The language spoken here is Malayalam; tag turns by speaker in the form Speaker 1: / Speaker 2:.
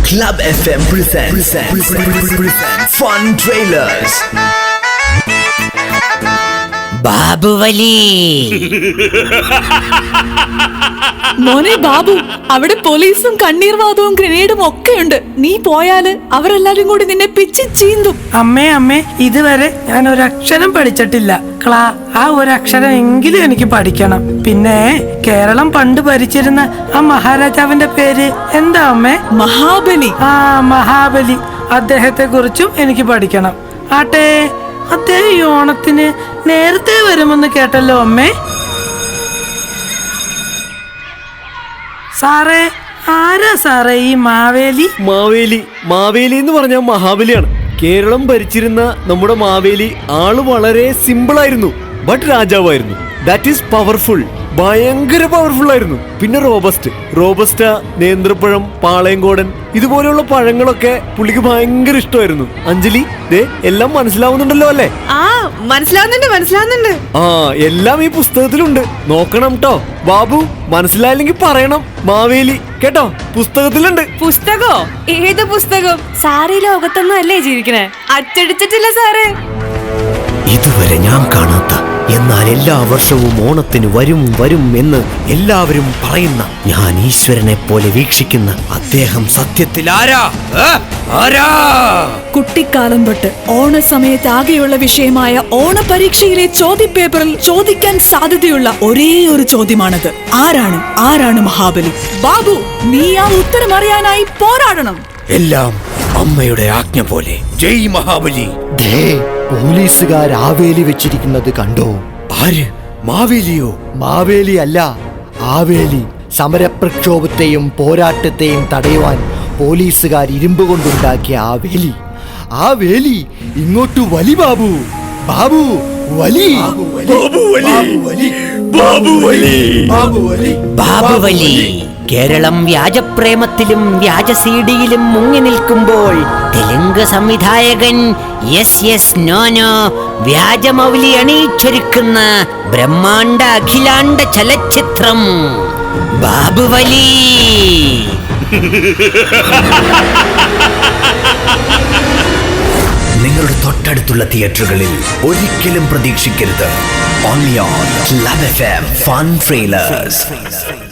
Speaker 1: Club FM presents Fun Trailers.
Speaker 2: ബാബുവലി.
Speaker 3: മോനെ ബാബു, അവിടെ പോലീസും കണ്ണീർവാദവും ഗ്രനേഡും ഒക്കെയുണ്ട്. നീ പോയാല് അവരെല്ലാരും കൂടി നിന്നെ പിച്ചി ചീന്തും.
Speaker 4: അമ്മേ, ഇതുവരെ ഞാൻ ഒരക്ഷരം പഠിച്ചിട്ടില്ല. ആ ഒരക്ഷരം എങ്കിലും എനിക്ക് പഠിക്കണം. പിന്നെ കേരളം പണ്ട് ഭരിച്ചിരുന്ന ആ മഹാരാജാവിന്റെ പേര് എന്താ അമ്മേ?
Speaker 3: മഹാബലി.
Speaker 4: മഹാബലി. അദ്ദേഹത്തെ കുറിച്ചും എനിക്ക് പഠിക്കണം. ആട്ടെ, അദ്ദേഹം ഈ ഓണത്തിന് നേരത്തെ വരുമെന്ന് കേട്ടല്ലോ അമ്മേ. സാറേ, ആരാ സാറേ ഈ മാവേലി?
Speaker 5: മാവേലി എന്ന് പറഞ്ഞാൽ മഹാബലിയാണ്. കേരളം ഭരിച്ചിരുന്ന നമ്മുടെ മാവേലി ആള് വളരെ സിമ്പിൾ ആയിരുന്നു, ബട്ട് രാജാവായിരുന്നു. That is powerful. ഭയങ്കര പവർഫുൾ ആയിരുന്നു. പിന്നെ റോബസ്റ്റ, നേന്ത്രപ്പഴം, പാളയംകോടൻ, ഇതുപോലെയുള്ള പഴങ്ങളൊക്കെ പുള്ളിക്ക് ഭയങ്കര ഇഷ്ടമായിരുന്നു. അഞ്ജലി, എല്ലാം മനസ്സിലാവുന്നുണ്ടല്ലോ അല്ലേ?
Speaker 3: മനസ്സിലാവുന്നുണ്ട്.
Speaker 5: എല്ലാം ഈ പുസ്തകത്തിലുണ്ട്. നോക്കണം ട്ടോ. ബാബു, മനസ്സിലായില്ലെങ്കിൽ പറയണം. മാവേലി കേട്ടോ, പുസ്തകത്തിലുണ്ട്.
Speaker 3: പുസ്തകോ? ഏത് പുസ്തകം? സാറി ലോകത്തൊന്നും അല്ലേ ജീവിക്കണേ? അച്ചടിച്ചിട്ടില്ല സാറേ.
Speaker 1: ഇതുവരെ ഞാൻ കാണാത്ത, എന്നാൽ എല്ലാ വർഷവും ഓണത്തിന് വരും എന്ന് എല്ലാവരും പറയുന്ന, ഞാൻ ഈശ്വരനെ പോലെ വീക്ഷിക്കുന്ന അദ്ദേഹം സത്യത്തിൽ ആരാ?
Speaker 3: കുട്ടിക്കാലം തൊട്ട് ഓണസമയത്ത് ആകെയുള്ള വിഷയമായ ഓണപരീക്ഷയിലെ ചോദ്യപേപ്പറിൽ ചോദിക്കാൻ സാധ്യതയുള്ള ഒരേ ഒരു ചോദ്യമാണത്. ആരാണ് മഹാബലി? ബാബു, നീ ആ ഉത്തരം അറിയാനായി പോരാടണം.
Speaker 1: എല്ലാം അമ്മയുടെ ആജ്ഞ പോലെ. ജയ് മഹാബലി. പോലീസുകാർ ആവേലി വെച്ചിരിക്കുന്നത് കണ്ടോ? ആര്? മാവേലിയോ? മാവേലി അല്ല, ആവേലി. സമരപ്രക്ഷോഭത്തെയും പോരാട്ടത്തെയും തടയുവാൻ പോലീസുകാർ ഇരുമ്പ് കൊണ്ടുണ്ടാക്കിയ ആ വേലി ഇങ്ങോട്ട് വലി. ബാബു വലി.
Speaker 2: ബാബുവലി. കേരളം വ്യാജപ്രേമത്തിലും വ്യാജസീഡിയിലും മുങ്ങി നിൽക്കുമ്പോൾ തെലുങ്ക് സംവിധായകൻ നോ വ്യാജമൗലി അണിയിച്ചൊരുക്കുന്ന ബ്രഹ്മാണ്ഡ അഖിലാണ്ഡ ചലച്ചിത്രം ബാബുവലി.
Speaker 1: നിങ്ങളുടെ തൊട്ടടുത്തുള്ള തിയേറ്ററുകളിൽ ഒരിക്കലും പ്രതീക്ഷിക്കരുത്. Only on Club FM Fun Trailers.